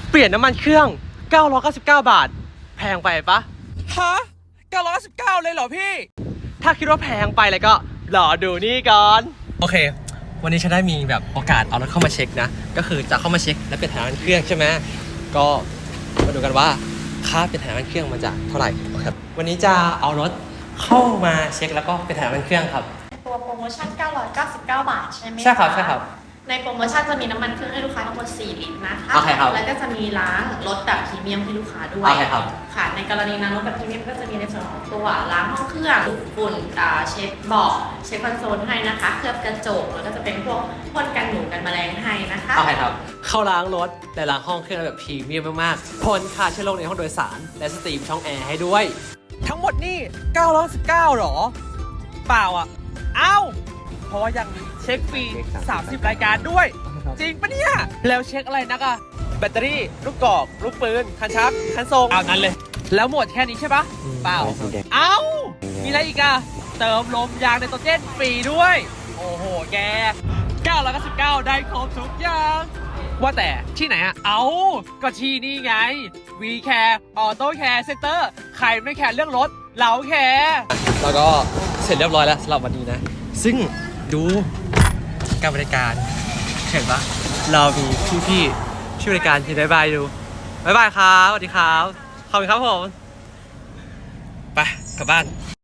เปลี่ยนน้ำมันเครื่อง999 บาทแพงไปปะฮะ999เลยเหรอพี่ถ้าคิดว่าแพงไปเลยก็รอดูนี่ก่อนโอเควันนี้ฉันได้มีแบบโอกาสเอารถเข้ามาเช็คนะก็คือจะเข้ามาเช็คและเปลี่ยนถ่ายน้ำมันเครื่องใช่ไหมก็มาดูกันว่าค่าเปลี่ยนถ่ายน้ำมันเครื่องมันจะเท่าไหร่ครับวันนี้จะเอารถเข้ามาเช็คแล้วก็เปลี่ยนถ่ายน้ำมันเครื่องครับตัวโปรโมชั่น999 บาทใช่ไหมคะใช่ครับใช่ครับในโปรโมชั่นจะมีน้ำมันเครื่องให้ลูกค้าทั้งหมด4 ลิตรนะคะโอเคครับแล้วก็จะมีล้างรถแบบพรีเมียมให้ลูกค้าด้วยโอเคครับค่ะในกรณีล้างรถแบบพรีเมียมก็จะมีในส่วนของตัวล้างห้องเครื่องดูดฝุ่นเช็ดเบาะเช็ดคอนโซลให้นะคะเคลือบกระจกแล้วก็จะเป็นพวกพ่นกันหนูกันแมลงให้นะคะโอเคครับเข้าล้างรถและล้างห้องเครื่องแบบพรีเมียมมากๆพ่นฆ่าเชื้อโรคในห้องโดยสารและสตรีมช่องแอร์ให้ด้วยทั้งหมดนี่919หรอเปล่าอ่ะเอ้าเพราะว่ายังเช็คฟรี30รายการด้วยจริงปะเนี่ยแล้วเช็คอะไรนักอะแบตเตอรี่ลูกกอกลูกปืนคันชักคันทรงเอานั้นเลยแล้วหมดแค่นี้ใช่ปะเปล่าเอ้ามีอะไรอีกอะเติมลมยางไนโตรเจนฟรีด้วยโอ้โหแก999ได้ครบทุกอย่างว่าแต่ที่ไหนอะเอาก็ที่นี่ไง V-Care Auto Care Center ใครไม่แคร์เรื่องรถเราแคร์แล้วก็เสร็จเรียบร้อยแล้วสำหรับวันนี้นะซึ่งดูการบริการเห็นปะเรามีพี่ๆช่วยบริการที่บายดูบายครับสวัสดีครับขอบคุณครับผมไปกลับบ้าน